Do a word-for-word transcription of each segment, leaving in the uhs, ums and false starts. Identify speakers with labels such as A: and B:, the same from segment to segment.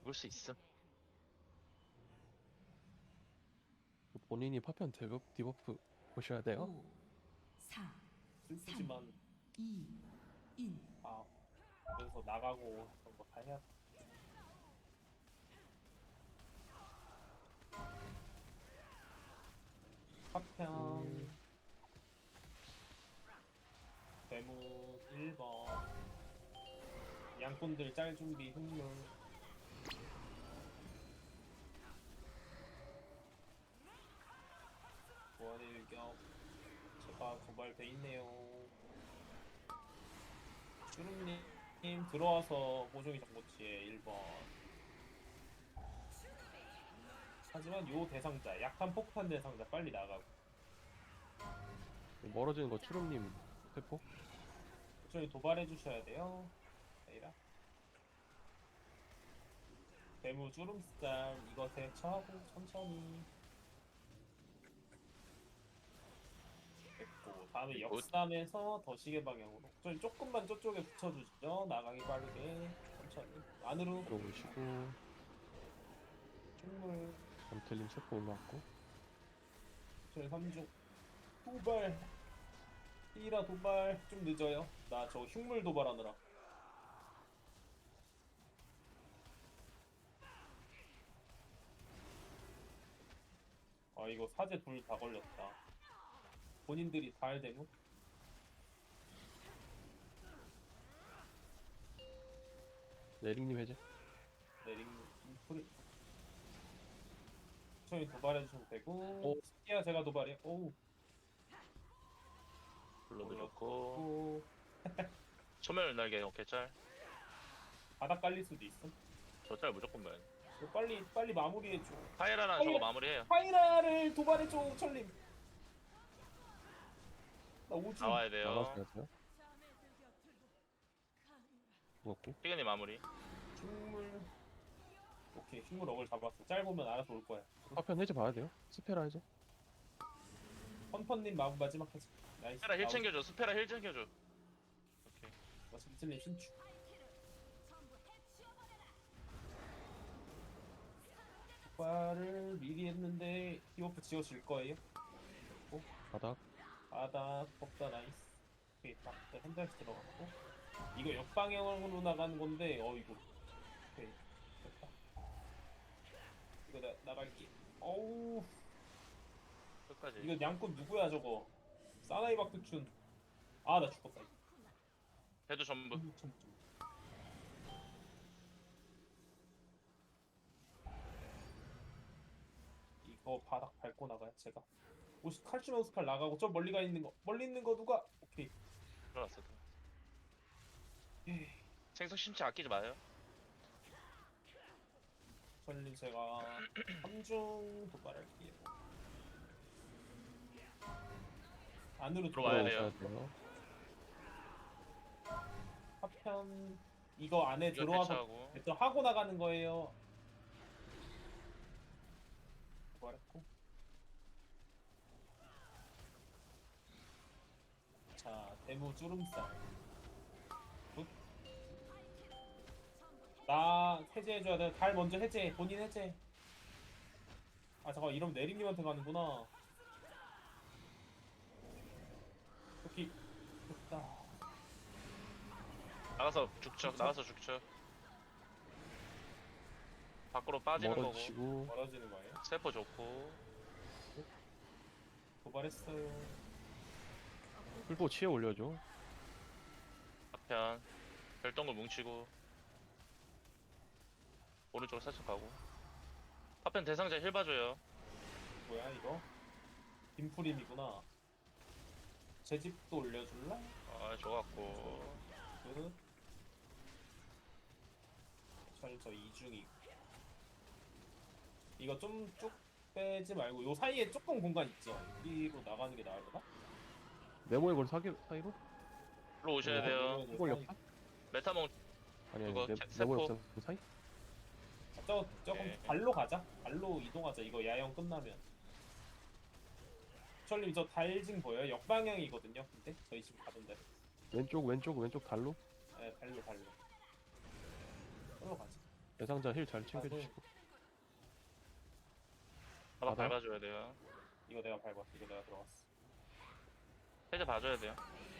A: 입을 수 있음.
B: 본인이 파편 대급 디버프 보셔야 돼요.
C: 오, 사,
D: 슬프지만
C: 이, 일.
D: 아 그래서 나가고 그런 거 다 해야 돼. 파편
B: 음.
D: 대문 일 번 양꾼들 짤 준비 흑물 보안의 일격 제가 도발돼 있네요. 쭈rum님 들어와서 보정이 정보치에 일 번. 하지만 요 대상자 약한 폭탄 대상자 빨리 나가고
B: 멀어지는 거 추름님 세포.
D: 저희 도발해 주셔야 돼요. 에이라 대무 쭈rum스짤 이거 대처하고 천천히 됐고 다음에 역삼에서 더시계 방향으로 저희 조금만 저쪽에 붙여주죠. 나가기 빠르게 천천히 안으로
B: 들어오시고
D: 충물
B: 잠틀림 세포 올라왔고.
D: 저희 삼 중 도발 이라 도발 좀 늦어요. 나 저 흉물 도발하느라 아 이거 사제 둘 다 걸렸다. 본인들이 다 할 대무
B: 내링님 해제.
D: 내링 소리 저희 도발해 주시면 되고
B: 오.
D: 스키야 제가 도발해. 오우
A: 블러드 좋고.
D: 오
A: 소멸 날개 오케이 짤.
D: 바닥 깔릴 수도 있음.
A: 저 짤 무조건 봐야 돼.
D: 이거 빨리 빨리 마무리해 줘.
A: 파이라랑
D: 파이라-
A: 저거 마무리해요.
D: 파이라를 도발해 줘 철림. 나 오줌.
A: 나와야 돼요.
B: 나가셔야 돼요. 죽었고.
A: 피그니 마무리.
D: 흉물. 오케이 흉물 억을 잡았어. 짧으면 알아서 올 거야.
B: 파편 해제 봐야 돼요. 스페라 해제.
D: 펀펀님 마 마지막 하지. 나이스.
A: 스페라 힐 챙겨줘. 스페라 힐 챙겨줘. 오케이.
D: 마스터님 신축. 도발을 미리 했는데 히오프 지워질 거예요.
B: 바닥.
D: 바닥 법다 나이스. 오케이 딱 한 달씩 들어갔고 이거 역방향으로 나가는 건데 어 이거 오케이 됐다. 이거 나 나갈게. 어우
A: 끝까지.
D: 이거 양꾼 누구야 저거? 사나이 박두춘. 아 나 죽었다. 이거.
A: 해도 전부.
D: 음, 참, 좀. 이거 바닥 밟고 나가요 제가. 혹시 칼슘 연습할 나가고 저 멀리 가 있는 거 멀리 있는 거 누가? 오케이.
A: 들어갔어. 들어갔어.
D: 에이,
A: 생성 신체 아끼지 마요.
D: 설리 제가 삼중 도발할게요. 안으로
A: 들어와야
D: 들어와요.
A: 돼요.
B: 돼요.
D: 파편 이거 안에
A: 이거
D: 들어와서
A: 대처하고.
D: 대처 하고 나가는 거예요. 도발했고. 자 대무 쭈름살. 굿. 나 해제해줘야 돼. 달 먼저 해제. 본인 해제. 아 잠깐 이러면 내림님한테 가는구나. 오케이. 됐다.
A: 나가서 죽죠. 나가서 죽죠. 밖으로 빠지는 거고.
B: 멀어지고.
D: 멀어지는 거예요.
A: 세포 좋고.
D: 도발했어요.
B: 풀보 치에 올려줘.
A: 앞편. 별동굴 뭉치고. 오른쪽으로 살짝 가고. 앞편 대상자 힐 봐줘요.
D: 뭐야 이거? 빔프림이구나. 제 집도 올려줄라?
A: 아 좋았고.
D: 끝. 철저 이중이. 이거 좀 쭉 빼지 말고 요 사이에 조금 공간 있죠? 여기로 나가는 게 나을까?
B: 네모의 걸 사기 사이로?
A: 일로 오셔야 돼요.
B: 이걸 역사?
A: 메타몽
B: 아니 아니
A: 그거
B: 네,
A: 세-
B: 네모
A: 세포.
B: 역사 그 사이?
D: 아, 저 조금
A: 네.
D: 발로 가자. 발로 이동하자. 이거 야영 끝나면. 철님 저 달징 보여요? 역방향이거든요. 근데 저희 지금 가던 대로.
B: 왼쪽 왼쪽 왼쪽 달로?
D: 네, 발로 발로. 걸로 가자.
B: 대상자 힐 잘
D: 아, 네.
B: 챙겨주시고.
A: 바닥
B: 바닥?
A: 밟아줘야 돼요.
D: 이거 내가 밟았어. 이거 내가 들어갔어.
A: 해제 봐줘야 돼요.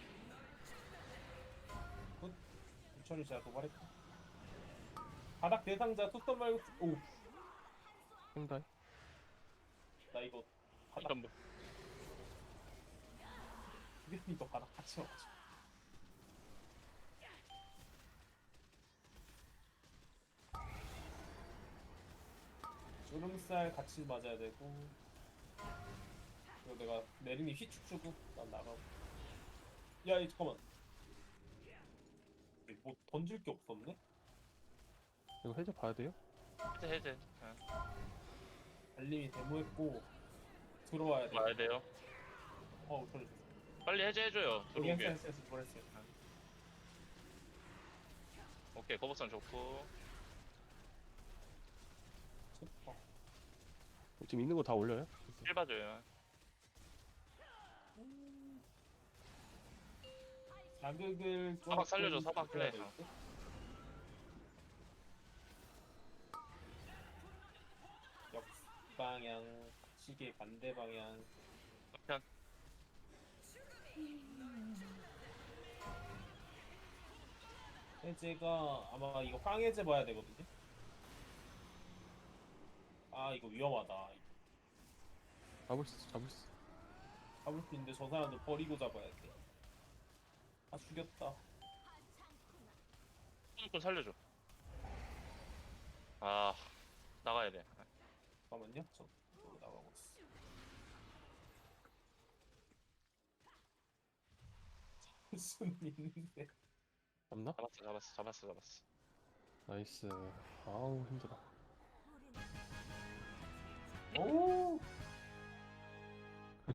D: 부천이 제가 도발했다. 바닥 대상자 투턴 말고 오,
B: 횡다이.
D: 나 이거 바닥
A: 일단 뭐
D: 이거 바닥 같이 먹자. 주름살 같이 맞아야 되고. 그리고 내가 메린이 휘축 주고 난 나가고. 야, 이 잠깐만. 뭐 던질 게 없었네?
B: 이거 해제 봐야 돼요?
A: 해제 해제. 응.
D: 달림이 데모했고 들어와야 돼.
A: 와야 돼요.
D: 어, 저리.
A: 빨리 해제해줘요.
D: 여기
A: 들어오게.
D: 했어, 했어, 했어.
A: 오케이 거북선 좋고.
D: 슈퍼.
B: 지금 있는 거 다 올려요?
A: 힐 봐줘요.
D: 자극을 좀
A: 사박 살려줘, 사박
D: 줘야
A: 해.
D: 될
A: 어.
D: 듯? 역방향, 시계 반대 방향.
A: 편.
D: 해제가 아마 이거 황해제 봐야 되거든요. 아, 이거 위험하다.
B: 잡을 수 있어, 잡을 수 있어.
D: 잡을 수 있는데 저 사람들 버리고 잡아야 돼. 아, 죽였다.
A: 무조건 살려줘. 아 나가야 돼.
D: 잠깐만요. 저 이쪽으로 나가고 있어. 무슨 있는데?
B: 잡나?
A: 잡았어 잡았어 잡았어 잡았어.
B: 나이스. 아우 힘들어.
D: 오!